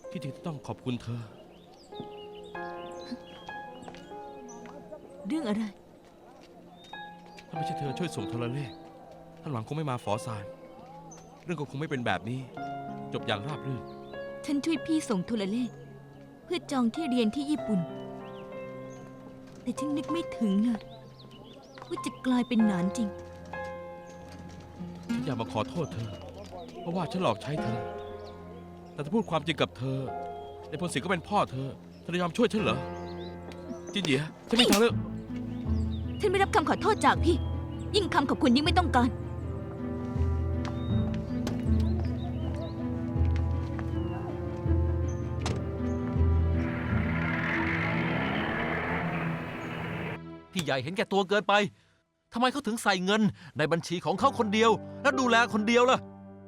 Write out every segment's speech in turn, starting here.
ที่จริงต้องขอบคุณเธอเรื่องอะไรถ้าไม่ใช่เธอช่วยส่งโทรเลขท่านหวังคงไม่มาฝอซานเรื่องก็คงไม่เป็นแบบนี้ จบอย่างราบรื่นฉันช่วยพี่ส่งโทรเลขเพื่อจองที่เรียนที่ญี่ปุ่น แต่ฉันนึกไม่ถึงเลยว่าจะกลายเป็นหนานจริงฉันอยากมาขอโทษเธอ เพราะว่าฉันหลอกใช้เธอ แต่ถ้าพูดความจริงกับเธอในพลศิษย์ก็เป็นพ่อเธอจะยอมช่วยฉันเหรอจินเหยียฉันไม่ทางเลือกฉันไม่รับคำขอโทษจากพี่ ยิ่งคำขอบคุณยิ่งไม่ต้องการพี่ใหญ่เห็นแก่ตัวเกินไป ทำไมเขาถึงใส่เงินในบัญชีของเขาคนเดียว แล้วดูแลคนเดียวล่ะ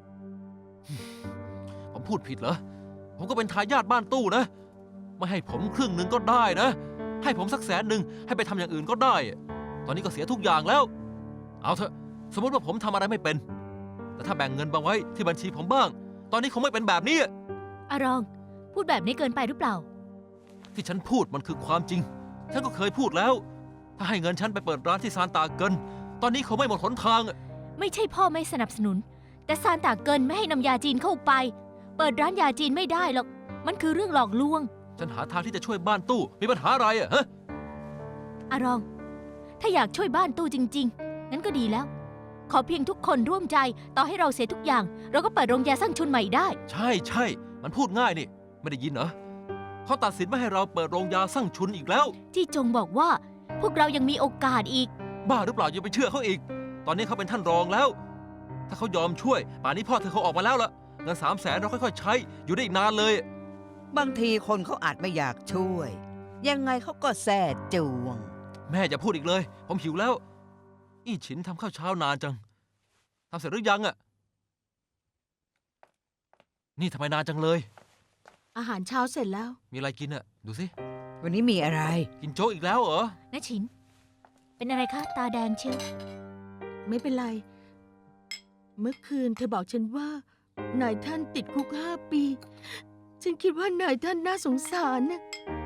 ผมพูดผิดเหรอ ผมก็เป็นทายาทบ้านตู้นะ ไม่ให้ผมครึ่งหนึ่งก็ได้นะ ให้ผมสัก100,000ให้ไปทำอย่างอื่นก็ได้ ตอนนี้ก็เสียทุกอย่างแล้ว เอาเถอะ สมมติว่าผมทำอะไรไม่เป็น แต่ถ้าแบ่งเงินบางไว้ที่บัญชีผมบ้าง ตอนนี้คงไม่เป็นแบบนี้อารอง พูดแบบนี้เกินไปหรือเปล่าที่ฉันพูดมันคือความจริง ฉันก็เคยพูดแล้ว ถ้าให้เงินฉันไปเปิดร้านที่ซานตาเกิน ตอนนี้เขาไม่หมดหนทางไม่ใช่พ่อไม่สนับสนุน แต่ซานตาเกินไม่ให้นำยาจีนเข้าไป เปิดร้านยาจีนไม่ได้หรอก มันคือเรื่องหลอกลวงฉันหาทางที่จะช่วยบ้านตู้ มีปัญหาอะไรอะฮะอารอง ถ้าอยากช่วยบ้านตู้จริงๆ งั้นก็ดีแล้ว ขอเพียงทุกคนร่วมใจ ต่อให้เราเสียทุกอย่าง เราก็เปิดโรงยาสร้างชุนใหม่ได้ใช่ใช่ มันพูดง่ายนี่ ไม่ได้ยินเหรอเขาตัดสินไม่ให้เราเปิดโรงยาสร้างชุนอีกแล้วจี้จงบอกว่า พวกเรายังมีโอกาสอีกบ้าหรือเปล่าอย่าไปเชื่อเขาอีก ตอนนี้เขาเป็นท่านรองแล้ว ถ้าเขายอมช่วย ป่านนี้พ่อเธอเขาออกมาแล้วล่ะ เงิน300,000เราค่อยๆใช้ อยู่ได้อีกนานเลยบางทีคนเขาอาจไม่อยากช่วย ยังไงเขาก็แส่จวงแม่อย่าพูดอีกเลย ผมหิวแล้ว อี้ฉินทำข้าวเช้านานจัง ทำเสร็จหรือยังอะนี่ทำไมนานจังเลยอาหารเช้าเสร็จแล้วมีอะไรกินอะดูสิวันนี้มีอะไรกินโจ๊กอีกแล้วเหรอนะฉิน เป็นอะไรคะ ตาแดงเชียวไม่เป็นไร เมื่อคืนเธอบอกฉันว่านายท่านติดคุก5 ปี ฉันคิดว่านายท่านน่าสงสารนะ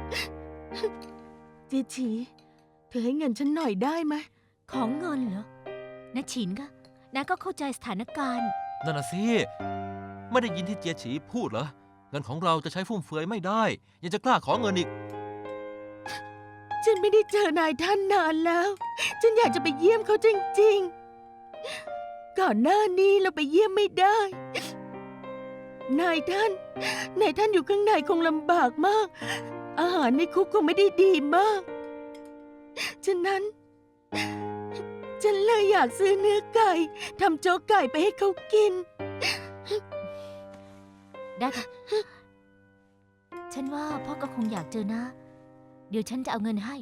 เจฉี เธอให้เงินฉันหน่อยได้ไหมของเงินเหรอนะฉินคะน้าก็เข้าใจสถานการณ์นั่นน่ะสิ ไม่ได้ยินที่เจียฉีพูดเหรอ เงินของเราจะใช้ฟุ่มเฟือยไม่ได้ ยังจะกล้าขอเงินอีกฉันไม่ได้เจอนายท่านนานแล้ว ฉันอยากจะไปเยี่ยมเขาจริงๆ ก่อนหน้านี้เราไปเยี่ยมไม่ได้ นายท่านอยู่ข้างในคงลำบากมาก อาหารในคุกคงไม่ได้ดีมาก ฉะนั้น ฉันเลยอยากซื้อเนื้อไก่ทำโจ๊กไก่ไปให้เขากินได้ค่ะ ฉันว่าพ่อก็คงอยากเจอนะ เดี๋ยวฉันจะเอาเงินให้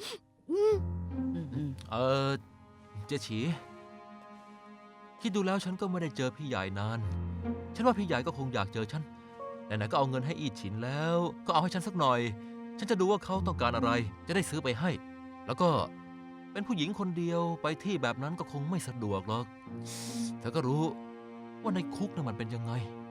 เจียฉี คิดดูแล้วฉันก็ไม่ได้เจอพี่ใหญ่นาน ฉันว่าพี่ใหญ่ก็คงอยากเจอฉัน ไหนๆก็เอาเงินให้อีฉินแล้ว ก็เอาให้ฉันสักหน่อย ฉันจะดูว่าเขาต้องการอะไร จะได้ซื้อไปให้ แล้วก็เป็นผู้หญิงคนเดียวไปที่แบบนั้นก็คงไม่สะดวกหรอก เธอก็รู้ว่าในคุกน่ะมันเป็นยังไง